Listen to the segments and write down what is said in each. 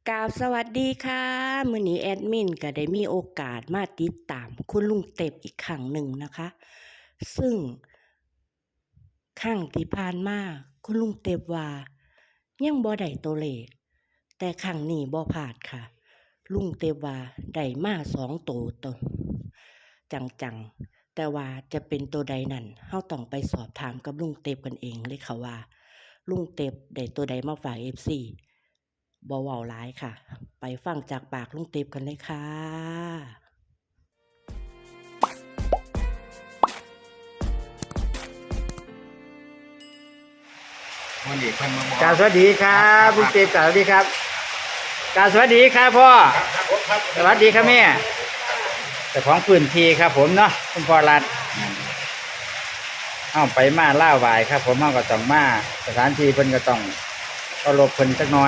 กราบสวัสดีค่ะมื้อนี้แอดมินก็ได้มีโอกาสมาติดตามคุณลุงเต็บอีกครั้งหนึ่งนะคะ ซึ่งครั้งที่ผ่านมาคุณลุงเต็บว่ายังบ่ได้ตัวเลขแต่ครั้งนี้บ่พลาดค่ะ ลุงเต็บว่าได้มา2ตัวจังๆแต่ว่าจะเป็นตัวใดนั้นเฮาต้องไปสอบถามกับลุงเต็บกันเองเลยค่ะว่าลุงเต็บได้ตัวใดมาฝาก FC บ่เว้าหลายค่ะ ไปฟังจากปากลุงเต็บกันเลยค่ะวันนี้เพิ่นมาบอกกราบสวัสดีครับคุณเจมส์กราบสวัสดีครับกราบสวัสดีครับพ่อสวัสดีครับแม่แต่ของพื้นที่ครับผมเนาะคุณพ่อรัดเอาไปมาล่าไหวครับ ผมเอาก็ต้องมาสถานที่เพิ่นก็ต้องก็หลบเพิ่นสักหน่อย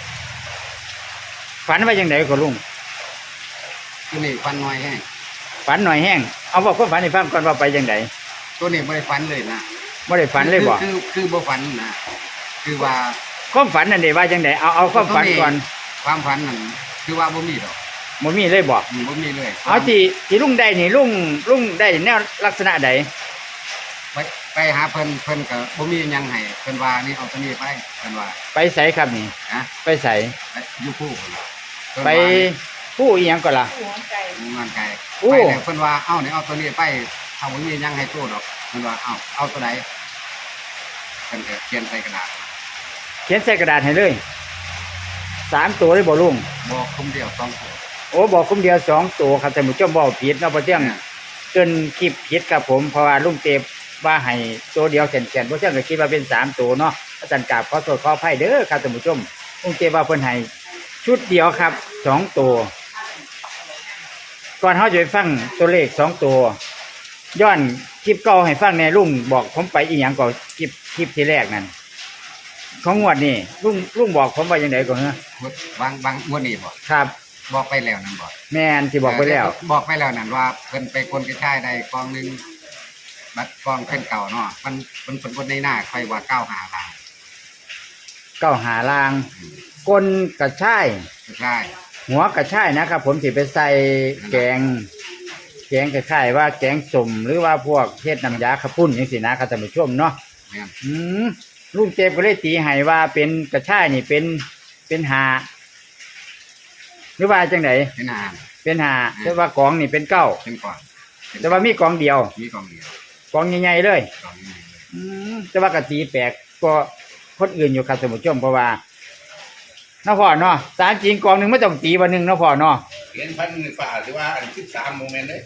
ฝันว่าอย่างไรก็ลุงตัวนี้ฟันน้อยแห้งฝันหน่อยแห้งเอาบอกความฝันให้ฟังก่อนว่าไปอย่างไรตัวนี้ไม่ได้ฟันเลยนะไม่ได้ฝันเลยบอกคือบ่ฟันนะคือว่าความฝันนั่นเดี๋ยวว่าอย่างไรเอาความฝันก่อนความฝันนั่นคือว่าบ่มีดอกมันมีเลยบอกบ่มีเลยเอาที่ลุงได้นี่ลุงได้แนวลักษณะใดไปหาเพิ่นก็บ่มีหยังให้เพิ่นว่านี่เอาตัวนี้ไปเพิ่นว่าไปใส่ครับนี่นะไปใส่อยู่คู่เพิ่นว่าเพิ่นไปว่าผู้อีหยังก่อนล่ะงานไกลโอ้ไปแล้วเพิ่นว่าเอ้านี่เอาตัวนี้ไปเอาบ่มีหยังให้ตู้ดอกเพิ่นว่าเอาตัวใดเพิ่นก็เขียนใส่กระดาษเขียนใส่กระดาษให้เลย3 ตัวเลยบ่ลุงบอกคมเดียว2ตัวโอ้บอกคุ้มเดียว2 ตัวครับแต่หมู่เจ้าบอกผิดเนาะเพราะเที่ยงเกินคลิปผิดครับผมเพราะว่าลุงเต็บว่าให้ตัวเดียวแขนๆเพราะเที่ยงก็คิดว่าเป็น3 ตัวเนาะอาจารย์กราบขอโทษขออภัยเด้อครับท่านผู้ชมลุงเต็บว่าเพิ่นให้ชุดเดียวครับ2 ตัวก่อนเฮาจะไปฟังตัวเลข2 ตัวย้อนคลิปเก่าให้ฟังแน่ลุงบอกผมไปอีหยังก่อนคลิปที่แรกนั่นของงวดนี่ลุงบอกผมว่าจังไดก่อนฮะบางงวดนี้บ่ครับบอกไปแล้วนั่นบ่แม่นที่บอกไปแล้วบอกไปแล้วนั่นว่าเพิ่นไปคนกระชายได้กองหนึงบัดกองเพิ่นเก่าเนาะมันคนในหน้าใครว่า9หาลางหาลางกลกระช่ายกระชายหัวกระช่ายนะครับ ผมสิไปใส่แกงกระช่ายว่าแกงสุ่มหรือว่าพวกเทศน้ำยาขปุ่นอย่างสินะครับท่านผู้ชมเนาะแม่นลุงเจ็บก็เลยตีให้ว่าเป็นกระช่ายนี่เป็นหาหรือว่าจังไหนเป็นอาหารเป็นหาแต่ว่ากองนี่เป็นเก้าเป็นก่อนแต่ว่ามีกองเดียวมีกองเดียวกองใหญ่ๆเลยกองนี้เลยแต่ว่ากะตีแปลกก็คนอื่นอยู่ครับท่านผู้ชมเพราะว่าน้าพ่อเนาะสารจริงกองหนึ่งไม่ต้องตีวันหนึ่งน้าพ่อเนาะเห็นพันฝ่าหรือว่าอัน13โมเมนต์เลย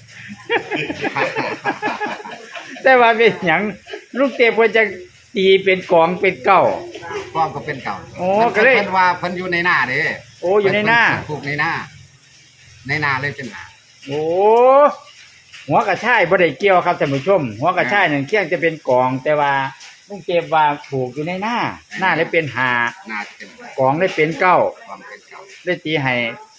แต่ว่าเป็นอย่างลูกเตะเพิ่นจะตีเป็นกองเป็นเก้ากองก็เป็นเก่าโอ้ก็เลยเพิ่นว่าเพิ่นอยู่ในหน้าเด้โอ้อยู่ในหน้าเพิ่ปลูกในหน้าเลยเป็นหน้าโอ้หัวกระช่ายบ่ได้เกี่ยวครับท่านผู้ชม หัวกระช่ายนั่นเคียงจะเป็นกอง แต่ว่าลูกเตะว่าผูกอยู่ในหน้าเลยเป็นหาหน้าจะเป็นกองเลยเป็นเก้ากองเป็นเก่าเลยตีให้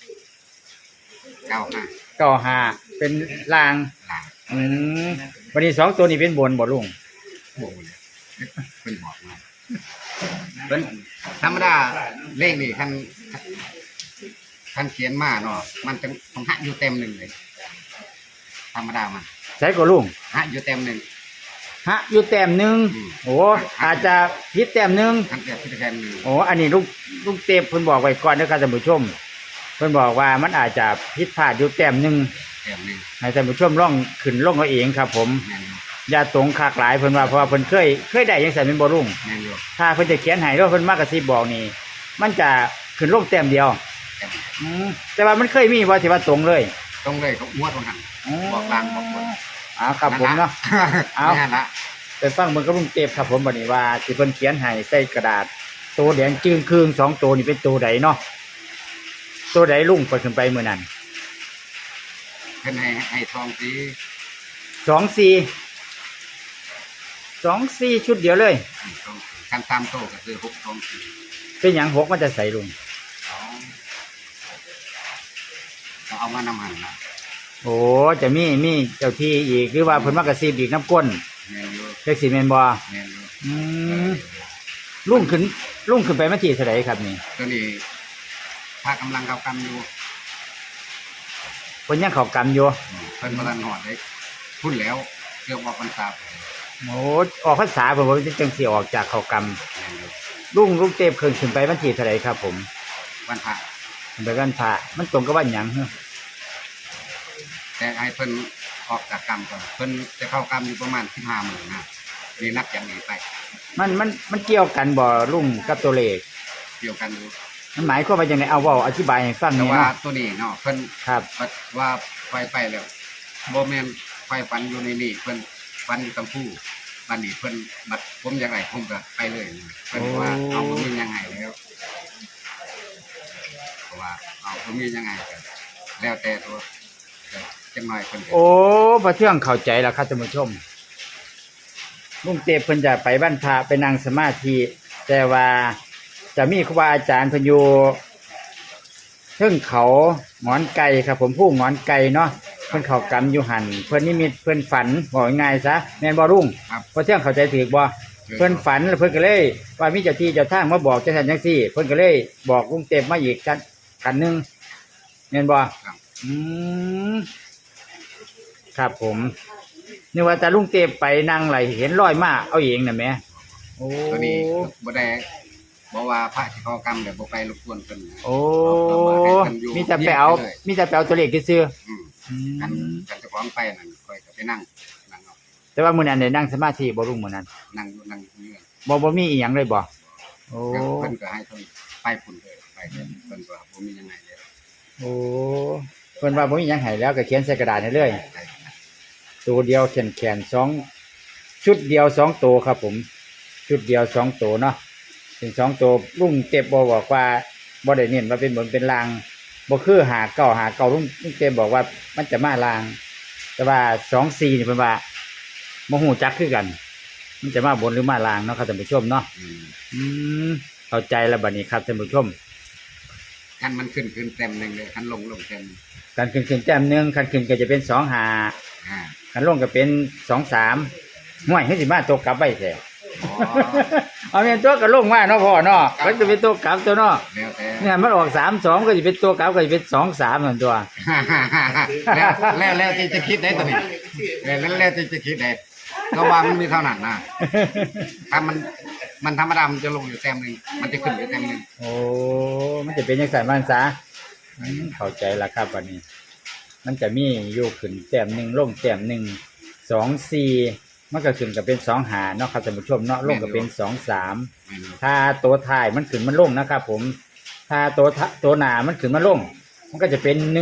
9หน้าเก้าหาเป็นลางหลังวันนี้2 ตัวนี้เป็นบนบ่ลุงโอ้โหเลยเพิ่นบอกมาเพิ่นธรรมดาเลขนี่คันเขียนมาเนาะมันต้องหะอยู่เต็มหนึ่งเลยธรรมดามันใส่ก็ลุงหะอยู่เต็มหนึ่งฮะอยู่แต้มหนึ่งอืมโอ้อาจจะพิษแต้มหนึ่งทั้งเกิดพิธีการหนึ่งโอ้อันนี้ลูกเตปเพิ่นบอกไว้ก่อนนะครับท่านผู้ชมเพิ่นบอกว่ามันอาจจะผิดพลาดอยู่แต้มหนึ่งเต็มหนึ่งให้ท่านผู้ชมลองขึ้นลงเอาเองครับ ผมแมนอยู่อย่าตรงคากหลายเพิ่นว่าเพราะว่าเพิ่นเคยได้ยังใส่เป็นบ่รุ่งแมนอยู่ถ้าเพิ่นจะเขียนให้แล้วเพิ่นมากระซิบบอกนี่มันจะขึ้นลงแต้มเดียวเต็มแต่ว่ามันเคยมีว่าที่ว่าตรงเลยตรงเลยเขางวดตรงหันบอกลางบอกบนครับผมเนาะ เอานั่นละไปฟังเบิ่งกับลุงเตปครับผมบัดนี้ว่าที่เพิ่นเขียนให้ใส่กระดาษตัวแดงจึงครึ่ง2 ตัวนี่เป็นตัวใดเนาะตัวใดลุงเปิดขึ้นไปมื้อนั้นเพิ่นให้ทองสี 2 4ชุดเดียวเลยการตามโตก็คือ6ทองสีเป็นหยัง6มันจะใส่ลุงเอามานำหันนะโอ้จะมีเจ้าที่อีกหรือว่าเพิ่นมากระซิบอีกน้ำก้นแมนอยู่เล็กสิแม่นบ่แมนอยู่ลุงขึ้นไปมาที่เท่าใดครับนี่ตัวนี้พระกำลังเข้ากรรมอยู่เพิ่นยังเข้ากรรมอยู่เพิ่นบ่ทันหอดได้พุ่นแล้วเกี่ยวกับพรรษาโอ้ออกพรรษาเพิ่นบ่จังสิออกจากเข้ากรรมลุงเต็มขึ้นไปวันที่เท่าไหร่ครับผมวันพระขึ้นไปวันพระมันตรงกับวันหยังฮะแต่ให้เพิ่นออกจากกรรมก่อนเพิ่นจะเข้ากรรมอยู่ประมาณ15มื้อนะนี่นับอย่างนี้ไปมันเกี่ยวกันบ่ลุงกับตัวเลขเกี่ยวกันอยู่มันหมายความว่าจังไดเอาเว้าอธิบายให้ฟังหแต่น่อยว่าเนาะตัวนี้เนาะเพิ่นครับว่าไปแล้วบ่แม่นไปฝันอยู่ในนี่เพิ่นฝันอยู่กัมพูบัดนี้เพิ่นบัดผมอยากให้ผมก็ไปเลยเพิ่นว่าเอาบ่มียังไงแล้วเพราะว่าเอาบ่มียังไงก็แล้วแต่ตัวจังหน่อยเพิ่นก็โอ้พระเทืองเข้าใจแล้วครับท่านผู้ชมลุงเต็มเพิ่นจะไปบ้านพระไปนั่งสมาธิแต่ว่าจะมีครูบาอาจารย์เพิ่นอยู่เทิงเขาหงอนไก่ครับผมผู้หงอนไก่เนาะเพิ่นเข้ากรรมอยู่หั่นเพิ่นนิมิตเพิ่นฝันบอกง่ายๆซะแม่นบ่ลุงครับพระเทืองเข้าใจถูกบ่เพิ่นฝันแล้วเพิ่นก็เลยว่ามีเจ้าที่เจ้าทางมาบอกจังซั่นจังซี่เพิ่นก็เลยบอกลุงเต็มมาอีกกันหนึงแม่นบ่ครับอืมครับผมนี่ว่าแต่ลุงเต็มไปนั่งไหลเห็นรอยมาเอาเองน่ะแหม่โอ้ตัวนี้บ่ได้บอกว่าพระที่เข้ากรรมแล้วบ่ไปรบกวนเพิ่นโอ้ให้เพิ่นอยู่มีแต่ไปเอาเลยมีแต่ไปเอาตัวเลขซื่ออืมๆอืกันมกันเจะพร้าขอมไปนั่นค่อยก็ไปนั่งเอาแต่ว่ามื้อนั้นได้นั่งสมาธิบ่ลุงมื้อนั้นนั่งอยู่นั่งอยู่นี่บ่มีอีหยังเลยบ่โอ้เพิ่นก็ให้เพิ่นไปพุ่นเลยไปเพิ่นก็บ่มียังไงแล้วโอ้เพิ่นว่าบ่มีหยังให้แล้วก็เขียนใส่กระดาษให้เลยไปตัวเดียวแขนสองชุดเดียว2ตัวครับผม ชุดเดียว2ตัวเนาะเป็น2ตัวลุงเต็บบ่บอกว่าบ่ได้เน้นว่าเป็นบนเป็นลางบ่คือหาเก่าลุงเต็บบอกว่ามันจะมาลาง แต่ว่า24นี่เพิ่นว่าบ่ฮู้จักคือกัน มันจะมาบนหรือมาลางเนาะครับท่านผู้ชมเนาะอืมอืมเข้าใจแล้วบัดนี้ครับท่านผู้ชมคันมันขึ้นเต็มหนึงเลยคันลงเต็มการขึ้นแต้มหนึงคันขึ้นก็จะเป็น2 5 อ่าคันลงก็เป็น2 3ห่วยให้สิมาตกกลับไว้แท้อ๋อเอาเป็นตัวก็ลงมาเนาะพ่อเนาะมันจะเป็นตัวกลับตัวเนาะแล้วแต่เนี่ยมันออก3 2ก็จะเป็นตัวกลับก็จะเป็น2 3นั่นตัวแล้วที่จะคิดได้ตัวนี้แล้วที่จะคิดได้ก็ว่ามันมีเท่านั้นนะถ้ามันธรรมดามันจะลงอยู่เต็มหนึงมันจะขึ้นอยู่เต็มหนึงโอ้มันจะเป็นจังซั่นมันซะเข้าใจแล้วครับวันนี้ มันจะมีอยู่ขึ้นแต้มหนึ่งลงแต้มหนึ่ง2 4มันก็ขึ้นก็เป็น2 5เนาะครับท่านผู้ชมเนาะลงก็เป็น2 3 ไม่รู้ถ้าตัวท้ายมันขึ้นมันลงนะครับผม ถ้าตัวหน้ามันขึ้นมันลง มันก็จะเป็น1 4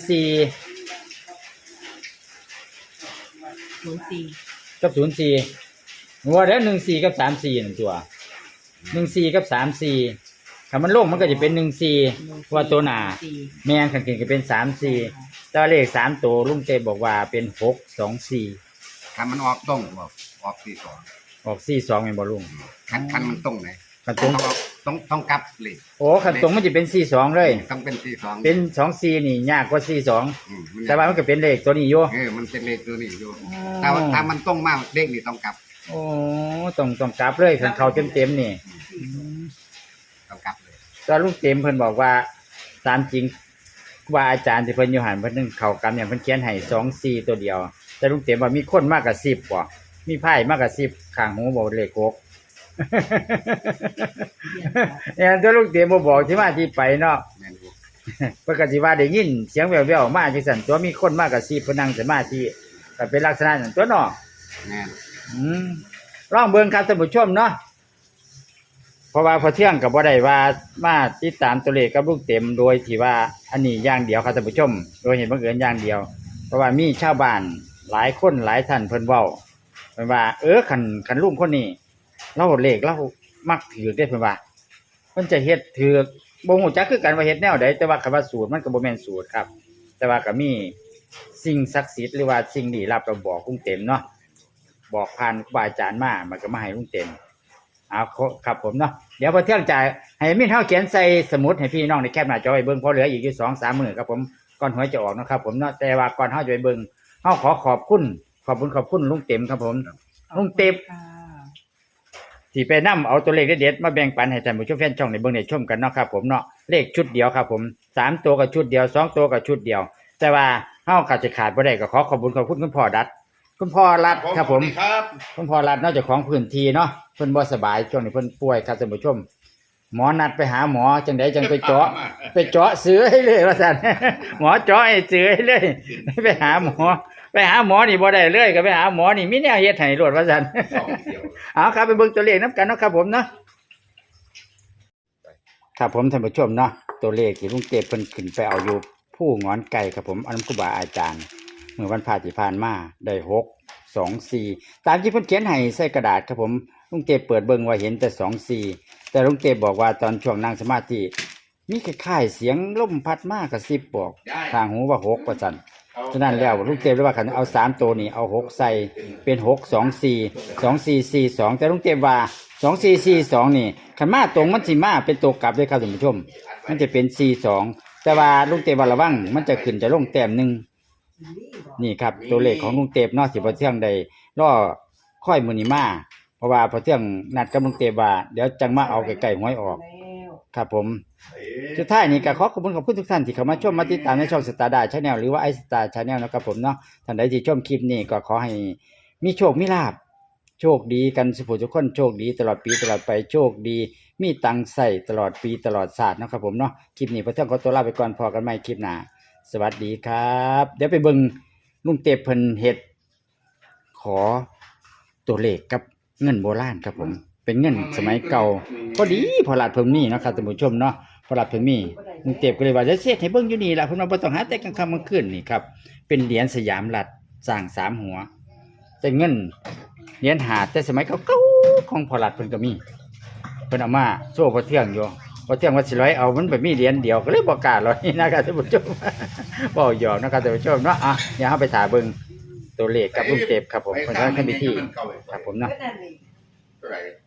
04 กับ04หัวแล้ว1 4กับ3 4นั่นตัว1 4กับ3 4ถ้ามันลงมันก็จะเป็น1 4ว่าตัวหน้าแม่นขันขึ้นก็เป็น3 4ตัวเลข3ตัวลุงเต้บอกว่าเป็น6 2 4 คันมันออกตรงบอกออก4 2 ออก4 2แม่นบ่ลุงคันมันตรงไหนคันตรงต้องกลับเลยโอ้ขันตรงมันจะเป็น4 2เลยต้องเป็น4 2 เป็น2 4นี่ยากกว่า4 2แต่ว่ามันก็เป็นเลขตัวนี้อยู่มันเป็นเลขตัวนี้อยู่ถ้ามันตรงมากเลขนี่ต้องกลับโอ้ต้องกลับเลยคันเขาเต็มๆนี่ต้องกลับเลยตอนลุงเต็มเพิ่นบอกว่าตามจริงว่าอาจารย์ที่เพิ่นอยู่หันเพิ่นนึงเข้ากรรมอย่างเพิ่นเขียนให้2 4ตัวเดียว แต่ลุงเต็มว่ามีคนมากกว่า10บ่มีไพ่มากกว่า10ข้างหูบ่เลข6เนี่ยตัวลุงเต็มบ่บอกที่มาที่ไปเนาะแม่นอยู่เพิ่นก็สิว่าได้ยินเสียงแว่วๆมาจังซั่นตัวมีคนมากกว่า10เพิ่นนั่งสมาธิก็เป็นลักษณะนั้นตัวเนาะแม่นลองเบิ่งครับท่านผู้ชมเนาะเพราะว่าพอเที่ยงกับบ่ได้ว่ามาติดตามตัวเลขกับลูกเต็มโดยที่ว่าอันนี้อย่างเดียวครับท่านผู้ชม โดยเห็นบังเอิญอย่างเดียว เพราะว่ามีชาวบ้านหลายคนหลายท่านเพิ่นเว้าเพิ่นว่าคันลุงคนนี้เราเลขเรามักถือได้เพิ่นว่าเพิ่นจะเฮ็ดถือบ่ฮู้จักคือกันว่าเฮ็ดแนวใดแต่ว่าคำว่าสูตรมันก็บ่แม่นสูตรครับ แต่ว่าก็มีสิ่งศักดิ์สิทธิ์หรือว่าสิ่งลี้ลับเราบอกลุงเต็มเนาะ บอกผ่านครูบาอาจารย์มามันก็มาให้ลุงเต็มเอาครับผมเนาะเดี๋ยวพอเที่ยงจ่ายให้มินเฮาเขียนใส่สมุดให้พี่น้องในแคปหน้าจอไว้เบิ่งพอเหลืออีกอยู่ 2-3 มื้อครับผมก่อนหวยจะออกนะครับผมเนาะแต่ว่าก่อนเฮาจะไปเบิ่งเฮาขอบคุณลุงเต็มครับผมลุงเต็มที่สิไปนํเอาตัวเลขเด็ดๆมาแบ่งปันให้ท่านผู้ชมแฟนช่องในเบิ่งได้ชมกันเนาะครับผมเนาะเลขชุดเดียวครับผม3ตัวก็ชุดเดียว2ตัวก็ชุดเดียวแต่ว่าเฮาก็จะขาดบ่ได้ก็ขอขอบคุณคุณพ่อรัฐคุณพ่อรัฐครับผมครับคุณพ่อรัฐนอกจากของพื้นที่เนาะเพิ่นบ่สบายช่วงนี้เพิ่นป่วยครับท่านผู้ชมหมอนัดไปหาหมอจังไดจังไปเจาะเสือให้เลยว่าซั่น หมอเจาะให้เสือให้เลยไปหาหมอนี่บ่ได้เลยก็ไปหาหมอนี่มีแนวเฮ็ดให้รวดว่าซั่นสองเดียวเอาครับไปเบิ่งตัวเลขนํกันเนาะครับผมเนาะครับผมท่านผู้ชมเนาะตัวเลขที่ลุงเต็บเพิ่นขึ้นไปเอาอยู่ผู้งอนไก่ครับผมอันนั้นครูบาอาจารย์เมื่อวันพฤหัสที่ผ่านมาได้6 2 4ตามที่เพิ่นเขียนให้ใส่กระดาษครับผมลุงเต็บเปิดเบิ่งว่าเห็นแต่2 4แต่ลุงเต็บบอกว่าตอนช่วงนั่งสมาธิมีคล้ายๆเสียงลมพัดมากระซิบบอกทางหูว่า6ว่าซั่นฉะนั้นแล้วลุงเต็บเลยว่าคันเอา3ตัวนี้เอา6ใส่เป็น6 2 4 2 4 4 2แต่ลุงเต็บว่า2 4 4 2นี่คันมาตรงมันสิมาเป็นตัวกลับเลยครับท่านผู้ชมมันจะเป็น4 2แต่ว่าลุงเต็บว่าระวังมันจะขึ้นจะลงแต้มหนึงนี่ครับตัวเลขของลุงเต็บเนาะสิบ่เที่ยงใดรอค่อยมื้อนี้มาเพราะว่าพอเที่ยงนัดกับลุงเต็บว่าเดี๋ยวจังมาเอาใกล้ๆหวยออกครับผมสุดท้ายนี้ก็ขอขอบคุณทุกท่านที่เข้ามาชมมาติดตามในช่องสตาร์ดาชาแนลหรือว่าไอสตาร์ชาแนลนะครับผมเนาะท่านใดที่ชมคลิปนี้ก็ขอให้มีโชคมีลาภโชคดีกันสุขทุกคนโชคดีตลอดปีตลอดไปโชคดีมีตังค์ใส่ตลอดปีตลอดศาสตร์นะครับผมเนาะคลิปนี้พอเที่ยงขอตัวลาไปก่อนพอกันใหม่คลิปหน้าสวัสดีครับเดี๋ยวไปเบิ่งลุงเต็บเพิ่นเฮ็ดขอตัวเลขกับเงินโบราณครับผมเป็นเงินสมัยเก่าพอดีพอหลาดเพิ่นมีเนาะครับท่านผู้ชมเนาะพอหลาดเพิ่นมีลุงเต็บก็เลยว่าจะเสียให้เบิ่งอยู่นี่ล่ะเพิ่นว่าบ่ต้องหาแต่กลางค่ำกลางคืนนี่ครับเป็นเหรียญสยามรัฐสร้าง3หัวแต่เงินเหรียญหาแต่สมัยเก่าๆของพอหลาดเพิ่นก็มีเพิ่นเอามาโชว์พอเที่ยงอยู่พอเที่ยงว่าสิร้อยเอามันไปมีเหรียญเดียวก็เลยบ่กล้าร้อยนะครับท่านผู้ชม บ่หยอกนะครับท่านผู้ชมเนาะอ่ะเดี๋ยวเฮาไปถ่ายเบิ่งตัวเลขกับลุงเต็บครับผมเพิ่นว่าทำพิธีครับผมเนาะเท่าไหร่